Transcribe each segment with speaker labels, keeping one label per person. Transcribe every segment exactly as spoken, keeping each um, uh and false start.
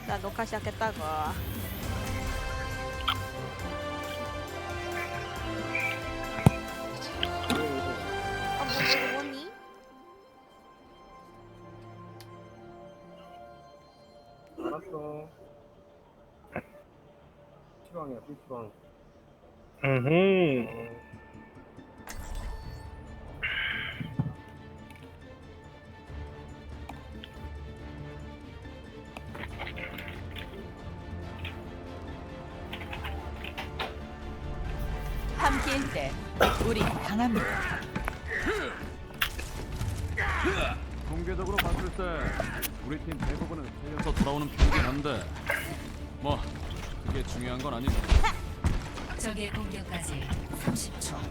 Speaker 1: 나 녹화 시작했다고. 아, 뭐, 이거 뭐니?
Speaker 2: 알았어. 피방이야, 피방.
Speaker 3: 음.
Speaker 4: 함께일 때 우리 강합니다.
Speaker 5: 공개적으로 봤을 때 우리 팀 대부분은 살려서 돌아오는 편이긴 한데 뭐 그게 중요한 건 아니죠.
Speaker 4: 적의 공격까지 삼십 초.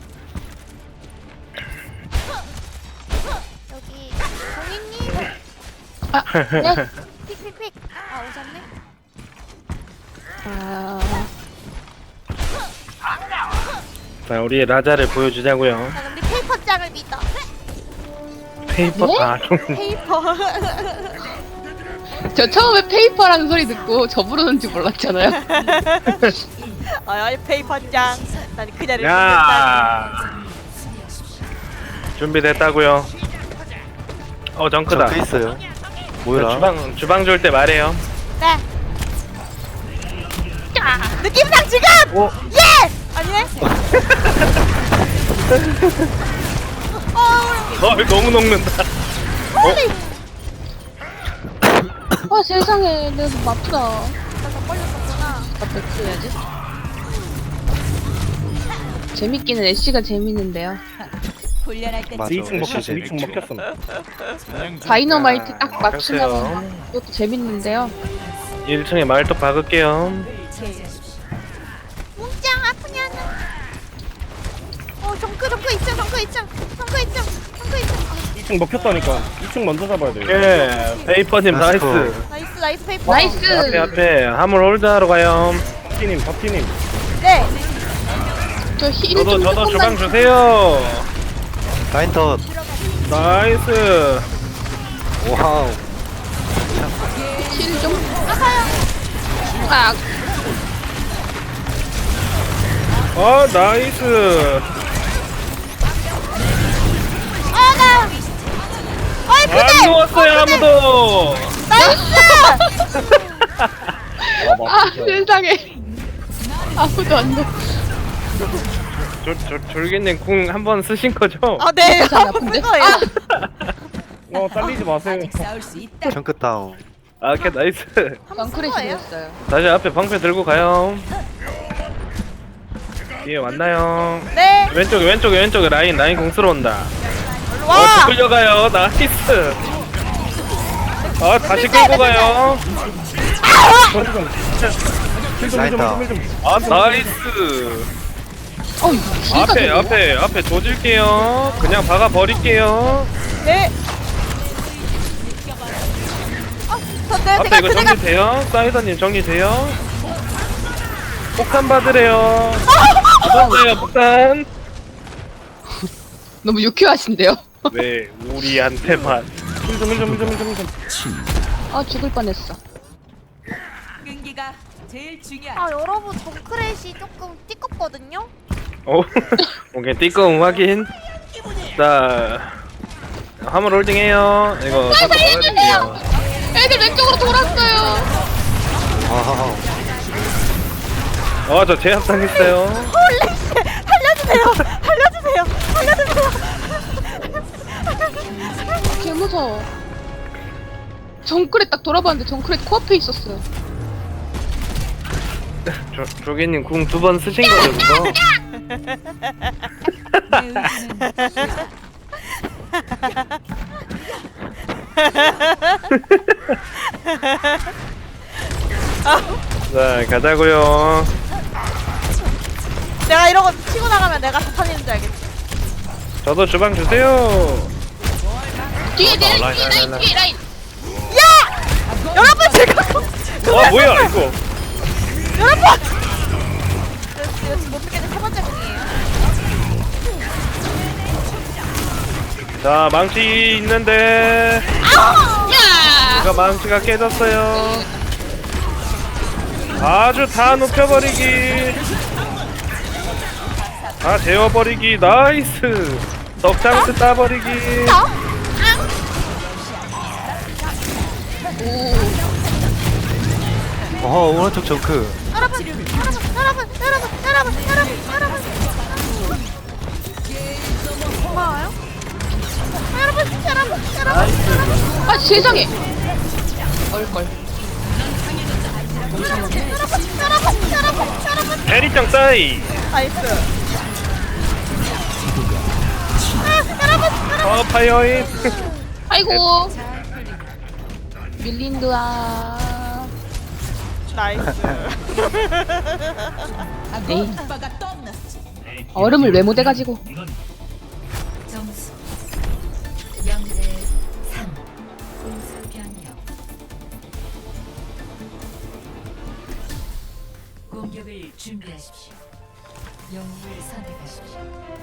Speaker 1: 여기 공인님.
Speaker 6: 아, 네.
Speaker 1: 픽픽픽. 아 오셨네.
Speaker 6: 아,
Speaker 3: 자, 우리의 라자를 보여주자고요.
Speaker 1: 자 그럼 우리 페이퍼 짱을 믿어.
Speaker 3: 페이퍼,
Speaker 6: 네?
Speaker 3: 아, 좀.
Speaker 1: 페이퍼.
Speaker 6: 저 처음에 페이퍼라는 소리 듣고 저 부르는지 몰랐잖아요.
Speaker 1: 아 페이퍼 짱. 난 그녀를 믿는다.
Speaker 3: 야! 준비됐다고요. 어, 정크다.
Speaker 7: 정크 있어요.
Speaker 3: 자,
Speaker 7: 뭐야?
Speaker 3: 주방, 주방 줄 때 말해요.
Speaker 1: 네. 느낌상 지금.
Speaker 3: 오,
Speaker 1: 예. 아니네. 어.
Speaker 3: 어, 너무 녹는다.
Speaker 1: 홀리.
Speaker 6: 아 세상에 내 손 아프다.
Speaker 1: 나더 걸렸었구나.
Speaker 6: 나 뱉어야지. 재밌기는 애쉬가 재밌는데요.
Speaker 4: 훈련할 때
Speaker 7: 맞아.
Speaker 3: 이 층 먹혔어,
Speaker 7: 진짜
Speaker 3: 이 층
Speaker 7: 재밌지.
Speaker 3: 먹혔어.
Speaker 6: 다이너마이트 딱 맞추면
Speaker 3: 그렇어요.
Speaker 6: 그것도 재밌는데요.
Speaker 3: 일 층에 말도 박을게요.
Speaker 1: 뭉짱 아프냐는. 어 정크 정크 있죠 정크 있죠 정크 있죠 정크 있죠.
Speaker 2: 이 층 먹혔다니까. 이 층 먼저 잡아야 돼.
Speaker 3: 예, 페이퍼님 나이스.
Speaker 7: 나이스.
Speaker 1: 나이스 나이스 페이퍼.
Speaker 6: 나이스.
Speaker 3: 앞에, 앞에. 화물 홀드하러 가요.
Speaker 2: 파티님, 파티님.
Speaker 1: 네.
Speaker 6: 저 힐
Speaker 3: 저도,
Speaker 6: 좀
Speaker 3: 저도 주방
Speaker 6: 조금만.
Speaker 3: 주세요.
Speaker 7: 라인턴.
Speaker 3: 나이스.
Speaker 7: 와우.
Speaker 6: 힐 좀. 아,
Speaker 3: 어, 나이스.
Speaker 1: 아나. 어이
Speaker 3: 안
Speaker 1: 부대.
Speaker 3: 누웠어요, 아무도.
Speaker 1: 나이스.
Speaker 6: 아 세상에. 아무도 안 돼.
Speaker 3: 졸, 졸, 졸개님 궁 한 번 쓰신 거죠?
Speaker 1: 아 네.
Speaker 6: 세상에
Speaker 1: 한번
Speaker 6: 아픈데?
Speaker 1: 쓴 거예요.
Speaker 2: 어, 딸리지 마세요.
Speaker 4: 아직 싸울 수 있다.
Speaker 7: 정크 다운.
Speaker 3: 아, 오케이, 나이스.
Speaker 1: 한번 쓴
Speaker 6: 덩크레
Speaker 1: 거예요.
Speaker 6: 지냈어요.
Speaker 3: 다시 앞에 방패 들고 가요. 뒤에 왔나요?
Speaker 1: 네.
Speaker 3: 왼쪽에, 왼쪽에, 왼쪽에 라인, 라인 공 들어온다.
Speaker 1: 얼른
Speaker 3: 어,
Speaker 1: 와.
Speaker 3: 끌려가요. 나이스. 아, 다시 끌고 가요.
Speaker 2: 힐 좀, 힐 좀,
Speaker 7: 라이터.
Speaker 2: 힐 좀.
Speaker 3: 아, 나이스.
Speaker 6: 어, 힐가
Speaker 3: 앞에,
Speaker 6: 되네.
Speaker 3: 앞에, 앞에 조질게요. 그냥 박아 버릴게요.
Speaker 1: 네. 어, 저 네,
Speaker 3: 앞에
Speaker 1: 제가
Speaker 3: 이거
Speaker 1: 제가
Speaker 3: 정리돼요? 사이더님 정리돼요? 폭탄 받으래요. 받았어요, 폭탄.
Speaker 6: 너무 유쾌하신데요.
Speaker 3: 왜 우리한테만.
Speaker 2: 힐 좀, 힐 좀, 힐 좀, 힐 좀, 힐 좀.
Speaker 6: 아 죽을 뻔했어.
Speaker 4: 끈기가 제일 중요한.
Speaker 1: 아 여러분 정크렛이 조금 띠껍거든요.
Speaker 3: 어? 오케이, 띠꺼움 확인. 자, 화물 홀딩해요. 이거 사도 받아줄게요.
Speaker 6: 애들 왼쪽으로 돌았어요.
Speaker 7: 와우.
Speaker 3: 어, 저 제압당했어요.
Speaker 1: 홀리 씨 살려주세요. 살려주세요. 살려주세요.
Speaker 6: 개 무서워. 정크레 딱 돌아봤는데 정크레 코앞에 있었어요.
Speaker 3: 조, 조개님 궁 두 번 쓰신 거죠, 그거?
Speaker 4: 내 의지는
Speaker 3: 자, 가자고요.
Speaker 1: 내가 이러고 치고 나가면 내가 자탄인 줄 알겠지.
Speaker 3: 저도 주방 주세요.
Speaker 6: 뒤에 내
Speaker 3: 라인,
Speaker 6: 뒤에
Speaker 3: 라인,
Speaker 6: 라인 뒤에 라인.
Speaker 1: 여러분 제가
Speaker 3: 아, 뭐야, 이거.
Speaker 1: 여러분. 이거 지금 못 믿겠는 세 번째 공이에요.
Speaker 3: 자, 망치 있는데.
Speaker 6: 야!
Speaker 3: 제가 망치가 깨졌어요. 아주 다 눕혀버리기. 다 재워버리기. 나이스. 덕장스 따버리기.
Speaker 7: 어 오른쪽 정크.
Speaker 1: 여러분 여러분 여러분 여러분 여러분 여러분 여러분 고마워요. 여러분 여러분 여러분
Speaker 6: 아 세상에. 얼걸.
Speaker 1: 여러분 여러분 여러분 여러분
Speaker 3: 대리짱 싸이.
Speaker 1: 나이스. 아, 여러분 여러분
Speaker 3: 어 파이어인.
Speaker 6: 아이고. 밀린드아.
Speaker 1: 나이스.
Speaker 6: 에이.
Speaker 4: 오빠가 떠났지.
Speaker 6: 얼음을 왜 못해가지고.
Speaker 4: 점수 영 대 삼. 공수 변경. 공격을 준비하십시오. 영웅을 선택하십시오.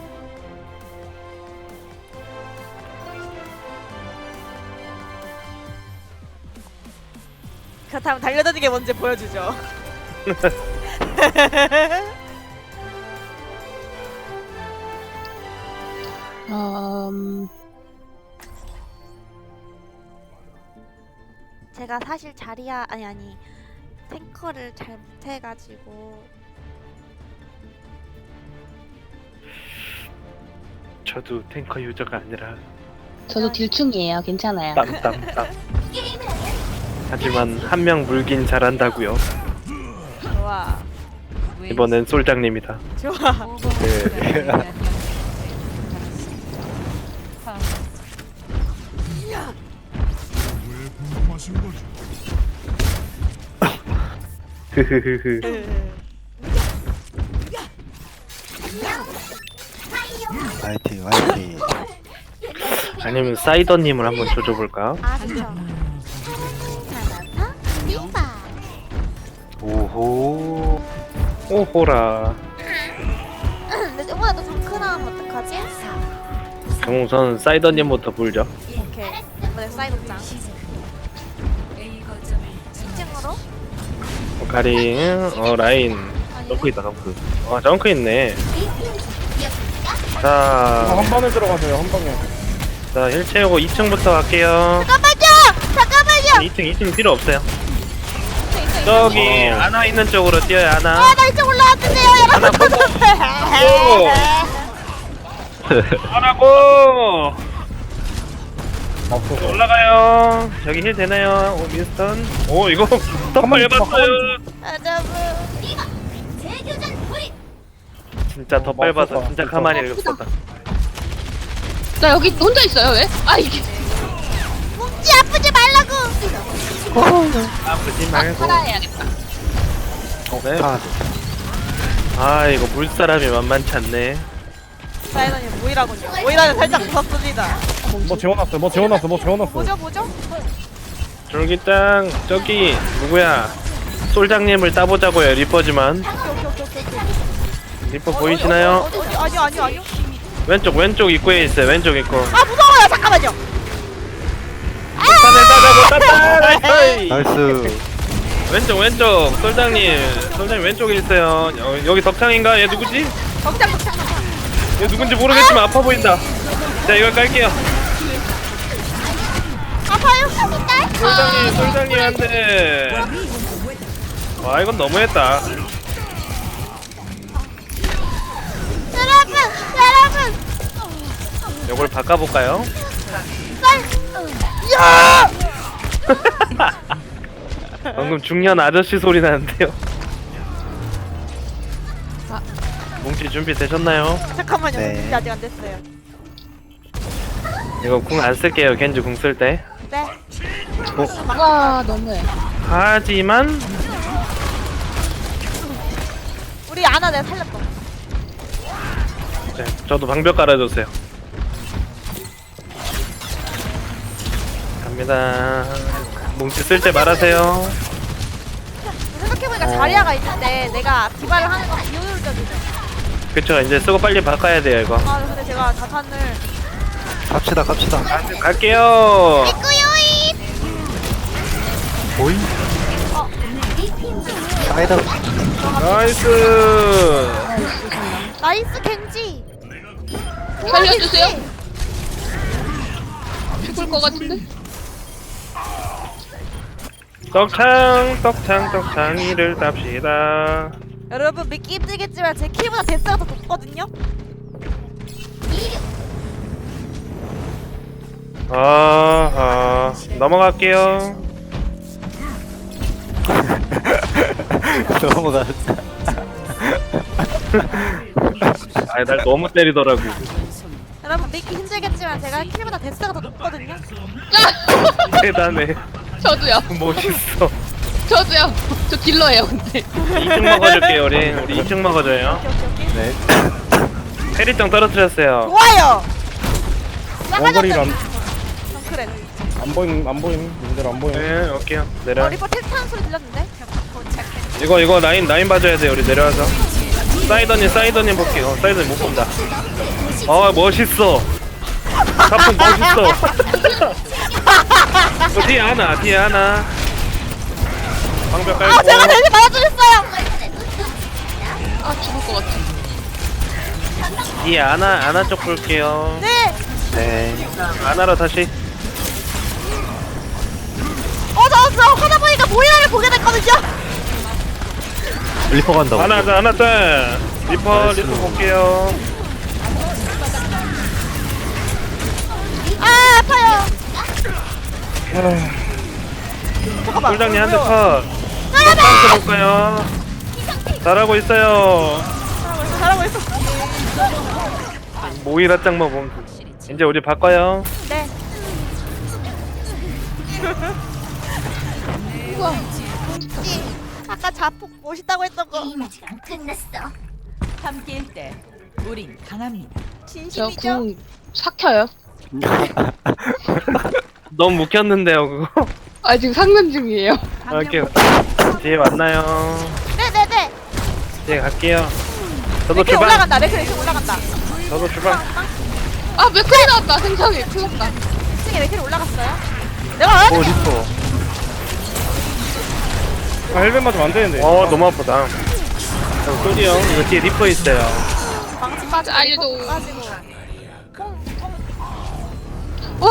Speaker 1: 그렇다면 달려드는 게 뭔지 보여주죠.
Speaker 6: 음.
Speaker 1: 제가 사실 자리야 아니 아니 탱커를 잘 못해가지고
Speaker 3: 저도 탱커 유저가 아니라
Speaker 6: 저도 딜충이에요. 괜찮아요.
Speaker 3: 땀땀땀. 하지만 한 명 물긴 잘한다고요.
Speaker 1: 좋아
Speaker 3: 이번엔 솔장님이다.
Speaker 1: 좋아.
Speaker 7: 네.
Speaker 3: 흐흐흐흐.
Speaker 7: 화이팅 화이팅.
Speaker 3: 아니면 사이더님을 한번 조져볼까?
Speaker 1: 아 그쵸. 리바.
Speaker 7: 오호.
Speaker 3: 오호라.
Speaker 1: 근데 이번에 또 정크 나오면 어떡하지?
Speaker 3: 그럼 우선 사이더님부터 불죠.
Speaker 1: 오케이. 이번에 사이드장.
Speaker 4: A 거점을
Speaker 1: 이 층으로.
Speaker 3: 가링, 어 라인. 덩크 있다 덩크. 아 덩크 있네.
Speaker 2: 아,
Speaker 3: 자,
Speaker 2: 한 번에 들어가세요 한 방에.
Speaker 3: 자 일 채우고 이 층부터 갈게요.
Speaker 1: 잠깐만요. 잠깐만요.
Speaker 3: 이 층 이 층 필요 없어요.
Speaker 1: 있어, 있어, 있어.
Speaker 3: 저기
Speaker 7: 어.
Speaker 3: 아나 있는 쪽으로 뛰어요 아나.
Speaker 1: 아, 나 이쪽 올라왔는데요,
Speaker 3: 하나
Speaker 1: 여러분.
Speaker 3: 하라고.
Speaker 2: 없어서.
Speaker 3: 올라가요. 저기 힐 되나요? 오 민스턴. 오 이거 덤발 밟았어요.
Speaker 1: 여러분.
Speaker 3: 진짜 더 밟아서
Speaker 2: 없었다.
Speaker 3: 진짜 가만히 있었다.
Speaker 6: 나 여기 혼자 있어요. 왜? 아 이게.
Speaker 1: 뭉치 아프지 말라고.
Speaker 3: 아프지 말고.
Speaker 6: 살아야겠다.
Speaker 3: 네.
Speaker 7: 아,
Speaker 3: 아 이거 물사람이 만만치 않네.
Speaker 1: 사이더님 모이라군요. 모이라는 살짝 무섭습니다.
Speaker 2: 뭐 재워놨어요 뭐 재워놨어 뭐 재워놨어.
Speaker 1: 뭐죠, 뭐죠?
Speaker 3: 졸기짱 저기 누구야? 솔장님을 따보자고요. 리퍼지만. 리퍼 보이시나요?
Speaker 1: 어디, 어디, 아니요, 아니요, 아니요.
Speaker 3: 왼쪽 왼쪽 입구에 있어요. 왼쪽 입구.
Speaker 1: 아, 무서워요. 잠깐만요.
Speaker 3: 산을 따다 못 땄다. 나이스.
Speaker 7: 나이스.
Speaker 3: 왼쪽 왼쪽 솔장님 솔장님 왼쪽에 있어요. 여, 여기 덕창인가? 얘 누구지?
Speaker 1: 덕장, 덕장, 덕장.
Speaker 3: 얘 누군지 모르겠지만 아파 보인다. 자 이걸 깔게요.
Speaker 1: 아파요. 딸.
Speaker 3: 솔장님 솔장님 한대. 와 이건 너무했다.
Speaker 1: 여러분, 여러분.
Speaker 3: 이걸 바꿔볼까요?
Speaker 1: 쌀. 야!
Speaker 3: 방금 중년 아저씨 소리 나는데요. 뭉치 준비 되셨나요?
Speaker 1: 잠깐만요.
Speaker 7: 네.
Speaker 1: 준비 아직 안 됐어요.
Speaker 3: 이거 궁 안 쓸게요. 겐지 궁 쓸 때.
Speaker 1: 네.
Speaker 6: 와 너무해.
Speaker 3: 하지만
Speaker 1: 우리 아나 내가 살렸다.
Speaker 3: 네, 저도 방벽 깔아줬어요. 갑니다. 뭉치 쓸 때 말하세요.
Speaker 1: 생각해보니까 자리아가 있는데 내가 디바를 하는 건 비효율적이죠.
Speaker 3: 그쵸 이제 쓰고 빨리 바꿔야 돼요 이거.
Speaker 1: 아 근데 제가 자탄을
Speaker 7: 갑시다 갑시다.
Speaker 3: 가, 갈게요.
Speaker 1: 꾸요이.
Speaker 7: 보이. 사이다.
Speaker 3: 나이스.
Speaker 1: 나이스 겐지.
Speaker 6: 살려주세요. 죽을 것 같은데?
Speaker 3: 떡창 떡창 떡창이를 땁시다.
Speaker 1: 여러분 믿기 힘들겠지만 제 키보다 데스가 더 높거든요.
Speaker 3: 아하 넘어갈게요.
Speaker 7: 넘어갔어.
Speaker 3: 아이 날 너무 때리더라고.
Speaker 1: 여러분 믿기 힘들겠지만 제가 키보다 데스가 더 높거든요.
Speaker 3: 대단해.
Speaker 6: 저도요.
Speaker 3: 멋있어.
Speaker 6: 저도요. 저 딜러예요, 근데.
Speaker 3: 이 층 먹어줄게요 우리. 우리 이 층 먹어줘요.
Speaker 1: 오케이 오케이 오케이.
Speaker 7: 네.
Speaker 3: 페리정 떨어뜨렸어요.
Speaker 1: 좋아요.
Speaker 2: 원거리를 안,
Speaker 1: 정크렛.
Speaker 2: 안 보임 안 보임 이들 안 보임.
Speaker 3: 네 올게요.
Speaker 1: 어
Speaker 3: 내려.
Speaker 1: 리퍼 텔타는 소리 들렸는데?
Speaker 3: 이거 이거 라인 라인 봐줘야 돼 우리 내려와서. 사이더님 사이더님 볼게요. 사이더님 못 본다. 아 멋있어. 가품 멋있어. 어, 뒤에 하나 뒤에 하나. 방벽 깔고.
Speaker 1: 아 제가 대신 맞아주셨어요.
Speaker 6: 아, 죽을 것 같아.
Speaker 3: 뒤에 하나 하나 쪽 볼게요.
Speaker 1: 네.
Speaker 7: 네.
Speaker 3: 하나로 다시.
Speaker 1: 어저 저 하다 보니까 모이라를 보게 됐거든요.
Speaker 7: 리퍼 간다고.
Speaker 3: 하나 하나 짤. 리퍼
Speaker 7: 나이스.
Speaker 3: 리퍼 볼게요.
Speaker 1: 아 아파요. 잠깐만.
Speaker 3: 꿀장님 한 대 컷. 깜짝 볼까요? 잘하고 있어요.
Speaker 1: 잘하고 있어.
Speaker 3: 모이라 짱만 보면 돼. 이제 우리 바꿔요.
Speaker 1: 네. 우와. 이 아까 자폭 멋있다고 했던 거
Speaker 4: 함께일 때 우린 강합니다.
Speaker 6: 저
Speaker 1: 진심이죠?
Speaker 6: 궁 삭혀요.
Speaker 3: 너무 묵혔는데요 그거.
Speaker 6: 아, 지금 상면 중이에요.
Speaker 3: 갈게요. 뒤에 만나요.
Speaker 1: 네네네.
Speaker 3: 뒤에 갈게요. 저도
Speaker 1: 레클
Speaker 3: 출발.
Speaker 1: 올라간다. 레클 레클 올라간다.
Speaker 3: 저도 출발.
Speaker 6: 아, 맥클이 나왔다. 생성이. 큰일 났다.
Speaker 1: 이 층에 레클 올라갔어요. 내가
Speaker 7: 오
Speaker 1: 왜?
Speaker 7: 리퍼.
Speaker 2: 아, 헬멧 맞으면 안 되는데.
Speaker 3: 어 너무 아프다. 꿀이 형 이거 뒤에 리퍼 있어요.
Speaker 1: 방치 빠지고
Speaker 6: 알려줘.
Speaker 1: 리퍼 빠지고.
Speaker 6: 와,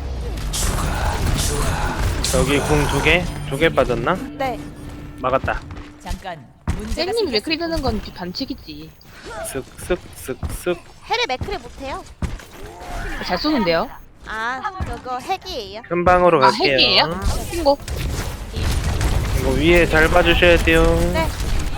Speaker 3: 여기 궁 두 개? 두 개 빠졌나?
Speaker 1: 네.
Speaker 3: 막았다.
Speaker 4: 잠깐 문제가
Speaker 6: 쌤님 맥클이 드는 건 반칙이지.
Speaker 3: 쓱쓱쓱쓱.
Speaker 1: 해를 맥클을 못해요.
Speaker 6: 잘 쏘는데요?
Speaker 1: 아 그거 핵이에요.
Speaker 3: 큰 방으로
Speaker 6: 아,
Speaker 3: 갈게요.
Speaker 6: 핵이에요? 신고.
Speaker 3: 이거 위에 잘 봐주셔야 돼요.
Speaker 1: 네.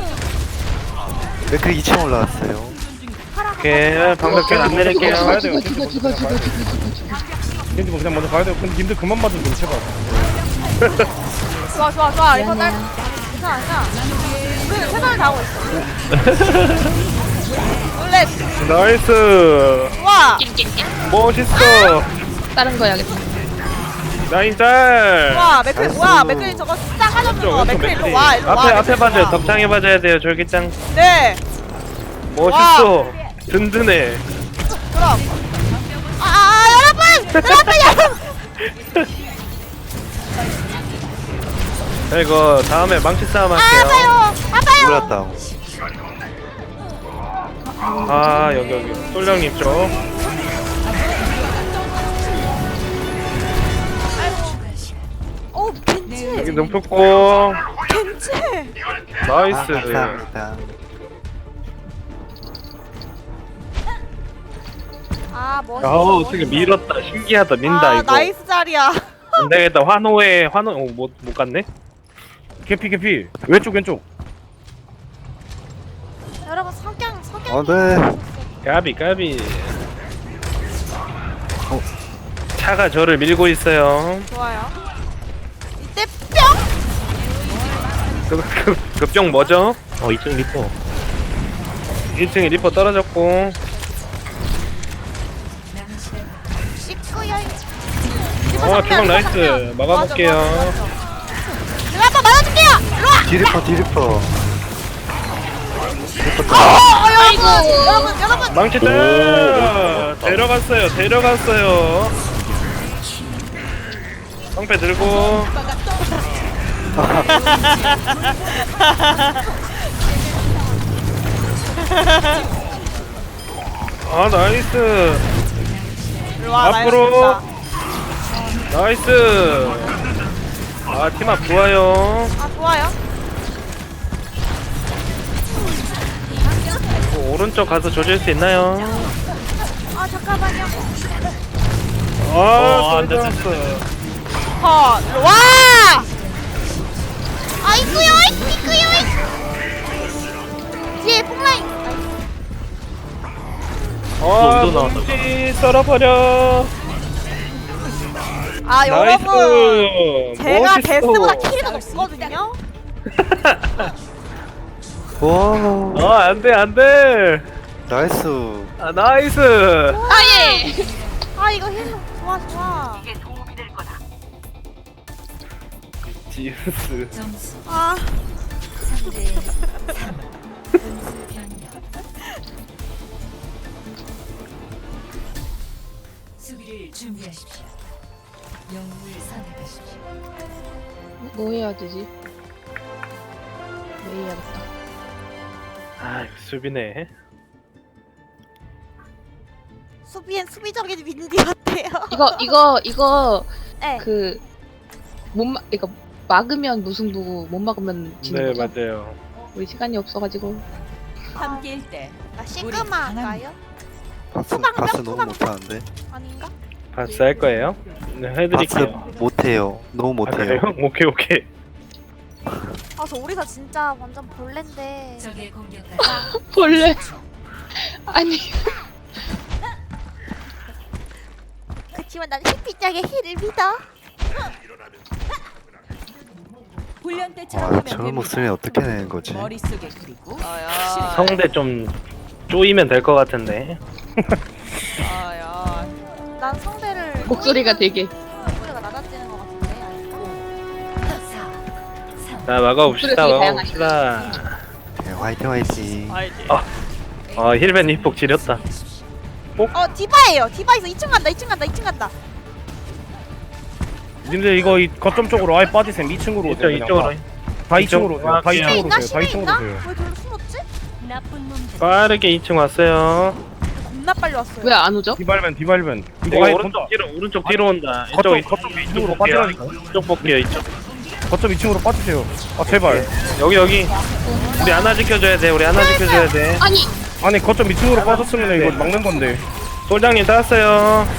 Speaker 7: 맥클 이 층 올라왔어요.
Speaker 3: 오케이 방벽 계속 내릴게요.
Speaker 2: 가야
Speaker 6: 죽어,
Speaker 2: 돼요.
Speaker 6: 죽어, 죽어, 죽어, 죽어, 죽어, 죽어, 죽어.
Speaker 2: 겐지 뭐 그냥 먼저 가야 돼요. 근데 님들 그만 맞으면 좀 제발.
Speaker 1: 좋아 좋아 좋아. 리퍼 딸. 괜찮아 괜찮아. 우리는 최선을 다하고 있어. 원래
Speaker 3: 나이스.
Speaker 1: 좋아.
Speaker 3: 멋있어.
Speaker 6: 다른 거 해야겠다.
Speaker 3: 라인 짤.
Speaker 1: 와 맥클 뭐야 맥클 저거 싸가졌는 거. 맥클 일로 와 일로 와.
Speaker 3: 앞에 앞에
Speaker 1: 맥클
Speaker 3: 봐줘요.
Speaker 1: 와.
Speaker 3: 덕창에 봐줘야 돼요. 절기장.
Speaker 1: 네.
Speaker 3: 멋있어. 든든해.
Speaker 1: 그럼. 아, 아 여러분 여러분 여러분.
Speaker 3: 자, 이거 다음에 망치 싸움
Speaker 1: 아
Speaker 3: 할게요.
Speaker 1: 아파요 아파요.
Speaker 7: 올랐다.
Speaker 3: 아 여기 여기 솔령님 쪽.
Speaker 1: 오 겐지
Speaker 3: 여기 눈붙고.
Speaker 1: 겐지.
Speaker 7: 아,
Speaker 3: 나이스.
Speaker 7: 감사합니다.
Speaker 1: 아 멋있어.
Speaker 3: 아우 어떻게 밀었다. 신기하다. 민다
Speaker 1: 아
Speaker 3: 이거.
Speaker 1: 나이스 자리야.
Speaker 3: 안 되겠다. 환호에 환호 어, 못, 못 갔네.
Speaker 2: 개피 개피. 왼쪽 왼쪽.
Speaker 1: 여러분 석양 석양.
Speaker 7: 어, 네.
Speaker 3: 까비 까비. 차가 저를 밀고 있어요.
Speaker 1: 좋아요. 이때 뿅.
Speaker 3: 그, 그, 급병 뭐죠?
Speaker 7: 어, 이층 리퍼.
Speaker 3: 일 층에 리퍼 떨어졌고.
Speaker 1: 씻고요.
Speaker 3: 어 주방 나이스. 막아볼게요.
Speaker 1: 제가 한번 맞아줄게요. 일로 와.
Speaker 7: 디리퍼, 디리퍼.
Speaker 1: 어, 어, 여러분 여러분 여러분.
Speaker 3: 망치 때 데려갔어요. 데려갔어요. 성패 들고. 아 나이스.
Speaker 1: 일로와 나
Speaker 3: 앞으로.
Speaker 1: 이거
Speaker 3: 나이스. 아 팀합 좋아요.
Speaker 1: 아 좋아요.
Speaker 3: 뭐, 오른쪽 가서 조질 수 있나요?
Speaker 1: 아 잠깐만요.
Speaker 3: 아 안됐어.
Speaker 1: 컷. 일로와. 아이쿠요 아이쿠요. 뒤에 폭라인.
Speaker 3: 아
Speaker 7: 또 나왔다.
Speaker 3: 뭉치 썰어버려.
Speaker 1: 아
Speaker 3: 나이스.
Speaker 1: 여러분 제가
Speaker 3: 멋있어.
Speaker 1: 데스보다 킬이 더 높거든요.
Speaker 7: 와
Speaker 3: 아 안돼 안돼.
Speaker 7: 나이스.
Speaker 3: 아 나이스.
Speaker 6: 아예.
Speaker 1: 아 이거 힐 좋아 좋아.
Speaker 3: 지우스.
Speaker 4: 점수
Speaker 1: 아
Speaker 4: 삼 대 삼. 분수 변경. 수비를 준비하십시오. 영웅을 선택하십시오.
Speaker 6: 뭐 해야 되지? 왜 해야겠다.
Speaker 3: 아 이거 수비네.
Speaker 1: 수비엔 수비적인 윈디 같아요.
Speaker 6: 이거 이거 이거
Speaker 1: 네.
Speaker 6: 그 못 막 이거 막으면 무승부고 못 막으면 지는
Speaker 3: 네
Speaker 6: 거죠?
Speaker 3: 맞아요.
Speaker 6: 우리 시간이 없어가지고.
Speaker 4: 함께일 때
Speaker 1: 아
Speaker 4: 우리
Speaker 1: 시그마 할까요?
Speaker 7: 바스
Speaker 1: 소방병,
Speaker 7: 바스 너무
Speaker 1: 소방병.
Speaker 7: 못하는데.
Speaker 1: 아닌가?
Speaker 3: 바스 할 거예요? 네
Speaker 7: 바스
Speaker 3: 해드릴게요.
Speaker 7: 못해요. 너무
Speaker 3: 아,
Speaker 7: 못해요.
Speaker 3: 그래요? 오케이 오케이.
Speaker 1: 아 저 오리사 진짜 완전 벌레인데.
Speaker 4: 적의 공격까지
Speaker 6: 벌레. 아니
Speaker 1: 그치만 난 햇빛장의 힐을 믿어.
Speaker 4: 훈련 때처럼
Speaker 7: 와
Speaker 4: 하면
Speaker 7: 저런
Speaker 4: 됩니다.
Speaker 7: 목소리 어떻게 내는 거지?
Speaker 4: 머릿속에 그리고
Speaker 1: 아야.
Speaker 3: 성대 좀 쪼이면 될 것 같은데.
Speaker 1: 아야. 난 성대를
Speaker 6: 목소리가 되게
Speaker 1: 목소리가 낮아지는 것 같은데 아닌가?
Speaker 4: 사, 삼.
Speaker 3: 자 막아봅시다
Speaker 6: 목소리가
Speaker 3: 막아봅시다.
Speaker 7: 네, 화이팅 화이팅.
Speaker 1: 알지.
Speaker 3: 아. 아 힐벤 힙폭 지렸다.
Speaker 1: 어 디바예요. 디바에서 이 층 간다. 이 층 간다. 이 층 간다.
Speaker 2: 님들 이거 이 거점 쪽으로 아예 빠지세요. 이 층으로
Speaker 3: 이쪽
Speaker 2: 오세요. 그냥
Speaker 3: 이쪽으로.
Speaker 2: 다, 다 이 층으로
Speaker 3: 이쪽.
Speaker 2: 오세요. 다 이
Speaker 3: 심해
Speaker 2: 층으로
Speaker 1: 있나?
Speaker 2: 오세요. 다
Speaker 1: 심해
Speaker 2: 이 층으로
Speaker 1: 있나?
Speaker 2: 오세요.
Speaker 1: 왜 저로 숨었지?
Speaker 4: 나쁜 놈들.
Speaker 3: 빠르게 이 층 왔어요.
Speaker 1: 겁나 빨리 왔어요.
Speaker 6: 왜 안 오죠?
Speaker 2: 디발벤 디발벤.
Speaker 3: 이거
Speaker 2: 이거 아예
Speaker 3: 오른쪽 뒤로 오른쪽 뒤로 온다. 이쪽
Speaker 2: 거점
Speaker 3: 이쪽
Speaker 2: 거점 이 층으로
Speaker 3: 볼게요.
Speaker 2: 빠지라니까.
Speaker 3: 이쪽 볼게요. 이쪽.
Speaker 2: 거점 이 층으로 빠지세요. 아 제발.
Speaker 3: 여기 여기. 우리 하나 지켜줘야 돼. 우리 하나 지켜줘야 돼.
Speaker 6: 아니
Speaker 2: 아니 거점 이 층으로 빠졌으면 이거 막는 건데.
Speaker 3: 솔장님 땄어요.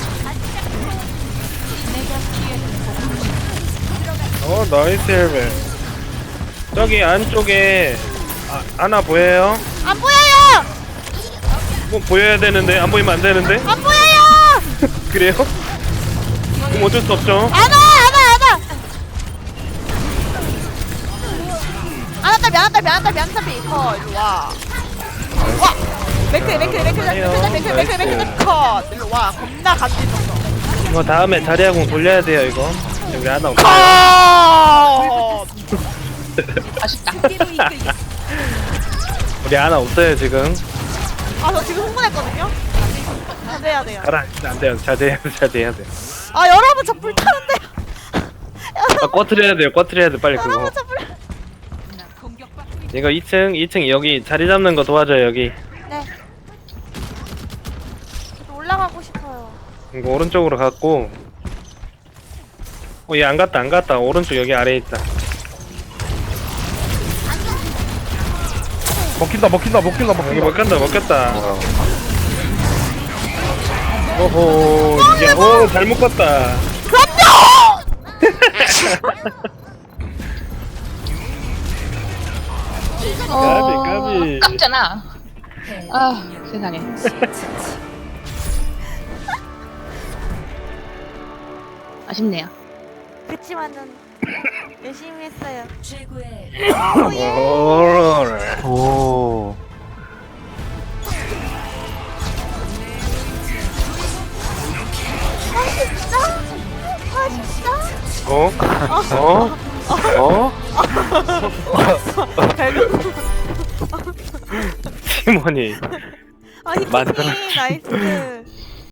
Speaker 3: 어 나이스 힐벤. 저기 안쪽에 아, 하나 보여요?
Speaker 1: 안 보여요.
Speaker 3: 뭐 보여야 되는데 안 보이면 안 되는데?
Speaker 1: 안 보여요.
Speaker 3: 그래요? 그럼 어쩔 수 없죠.
Speaker 1: 안와 안와 안와. 안왔다 미안하다 미안하다 미안하다 어 일로 와. 와. 맥크 맥크 맥크 맥크 맥크 맥크 맥크 맥크 컷. 일로 와. 겁나 간지럽어.
Speaker 3: 이거 다음에 자리하고 돌려야 돼요 이거. 여기 하나 없어.
Speaker 1: 컷.
Speaker 6: 아쉽다.
Speaker 4: 그대로 이끌겠습니다.
Speaker 3: 우리 하나 없어요 지금.
Speaker 1: 아저 지금 흥분했거든요. 자제해야 돼요.
Speaker 3: 가라. 안 돼요. 자제해야 돼. 자제해야 돼.
Speaker 1: 아 여러분 저 불타는데.
Speaker 3: 아 꺼트려야 돼요. 꺼트려야 돼 빨리 그거.
Speaker 1: 여러분 저 불.
Speaker 4: 나 공격받고 있-
Speaker 3: 이거 이 층 이 층 여기 자리 잡는 거 도와줘요 여기.
Speaker 1: 네. 저도 올라가고 싶어요.
Speaker 3: 이거 오른쪽으로 갔고. 어얘 안 갔다 안 갔다. 오른쪽 여기 아래에 있다.
Speaker 2: 먹힌다 먹힌다 먹힌다
Speaker 3: 여기
Speaker 2: 먹힌다.
Speaker 3: 먹혔다 먹혔다.
Speaker 7: 와
Speaker 3: 오호 야, 오, 잘 묶었다. 까비 까비.
Speaker 6: 깜잖아. 아 세상에. 아쉽네요.
Speaker 1: 그치만은 열심히 했어요.
Speaker 4: 최고의
Speaker 3: 오호라.
Speaker 7: 오.
Speaker 1: 아 진짜?
Speaker 3: 어? 어? 어? 팀원이
Speaker 1: 아 히트님
Speaker 3: 만들었지.
Speaker 1: 나이스.